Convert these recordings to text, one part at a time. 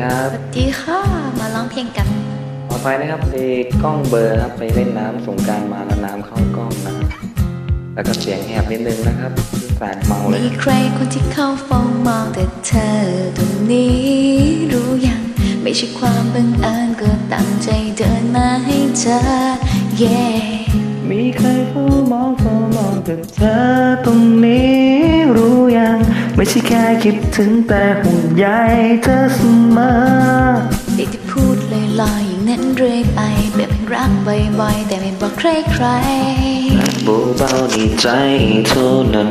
ครับสวัสดีค่ะมาร้องเพลงกันต่อไปนะครับเพลงกล้องเบอร์ครับไปเล่นน้ำสงกรานต์มาแล้วน้ำเข้ากล้องนะครับแล้วก็เสียงแหบนิดนึงนะครับแฟนเมาเลยมีใครคนที่เข้าเฝ้ามองแต่เธอตรงนี้รู้ยังไม่ใช่ความบังเอิญก็ตั้งใจเดินมาให้เจอ yeah มีใครเฝ้ามองแต่เธอตรงนี้รู้ยังไม่ใช่แค่คิดถึงแต่ห่วงใยเธอเสมอได้ที่พูดลอยๆอย่างนั้นเรื่อยไปแบบรักบ่อยๆแต่ไม่บอกใครๆเบาๆในใจเท่านั้น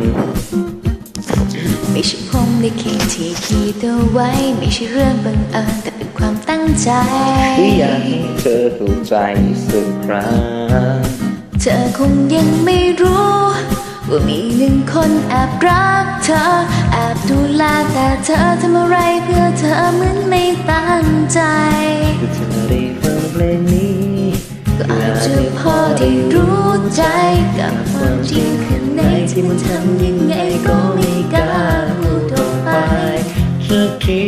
ไม่ใช่ผมได้เขียนที่คิดเอาไว้ไม่ใช่เรื่องบังเอิญแต่เป็นความตั้งใจที่อยากให้เธอเข้าใจสักครั้งเธอคงยังไม่รู้ว่ามีหนึ่งคนแอบรักเธอแอบดูแลแต่เธอทำอะไรเพื่อเธอเหมือนไม่ตั้งใจก็เธอได้ฟังเพลงนี้ก็อาจจะพอได้รู้ใจกับความจริงข้างในที่มันทำยังไงก็ไม่กล้าพูดออกไปสักที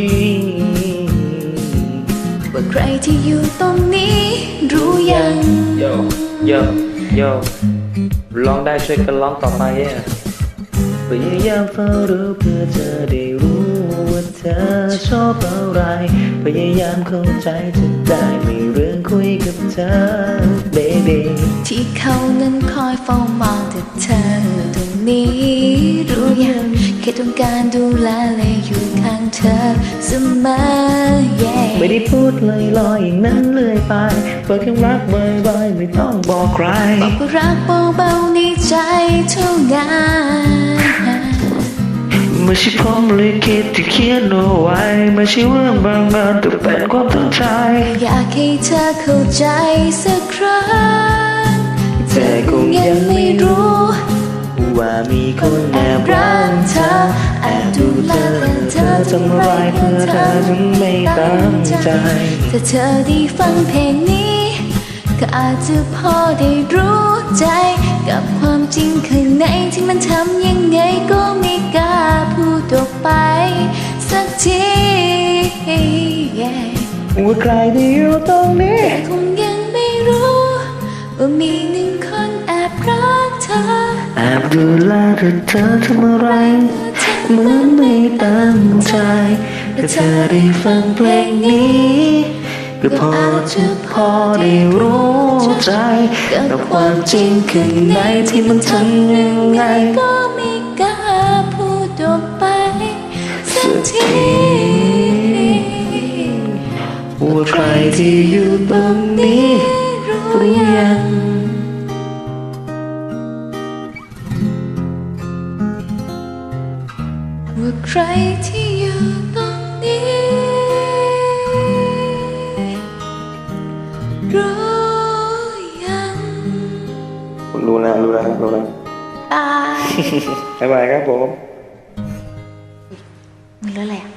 ว่าใครที่อยู่ตรงนี้รู้ยังโยร้องได้ช่วยกันร้องต่อไปพยายามเฝ้ารู้เพื่อเธอได้รู้ว่าเธอชอบอะไรพยายามเข้าใจจะได้มีเรื่องคุยกับเธอ baby ที่เขานั้นคอยเฝ้ามองแต่เธอตรงนี้รู้ยังแค่ต้องการดูแลและอยู่ข้างเธอเสมอ yeah ไม่ได้พูดลอยอย่างนั้นเลยไปบอกแค่รักบ่อยๆไม่ต้องบอกใครบอกว่ารักเบาๆในใจเท่านั้นไม่ใช่ผมเลยคิดที่เขียนเอาไว้ไม่ใช่เรื่องบางเอิญแต่เป็นความตั้งใจอยากให้เธอเข้าใจสักครั้งเธอคงยังไม่รู้ว่ามีคนแอบรักเธอแอบดูแลแต่เธอทำอะไรเพื่อเธอถึงไม่ตั้งใจถ้าเธอได้ฟังเพลงนี้ก็อาจจะพอได้รู้ใจกับความจริงข้างในที่มันทำยังไงก็ไม่กล้าพูดออกไปสักทีว่าใครที่อยู่ตรงนี้แต่คงยังไม่รู้ว่ามีหนึ่งคนแอบรักเธอแอบดูแลแต่เธอทำอะไรเหมือนไม่ตั้งใจถ้าเธอได้ฟังเพลงนี้ก็พอได้รู้ใจกับความจริงข้างในที่มันทำยังไงก็ไม่กล้าพูดออกไปสักทีว่าใครที่อยู่ตรงนี้รู้ยังว่าใครที่อยู่ตรงนี้รู้ยังรู้แล้วบายบ๊ายบายครับผมมีแล้วแหละ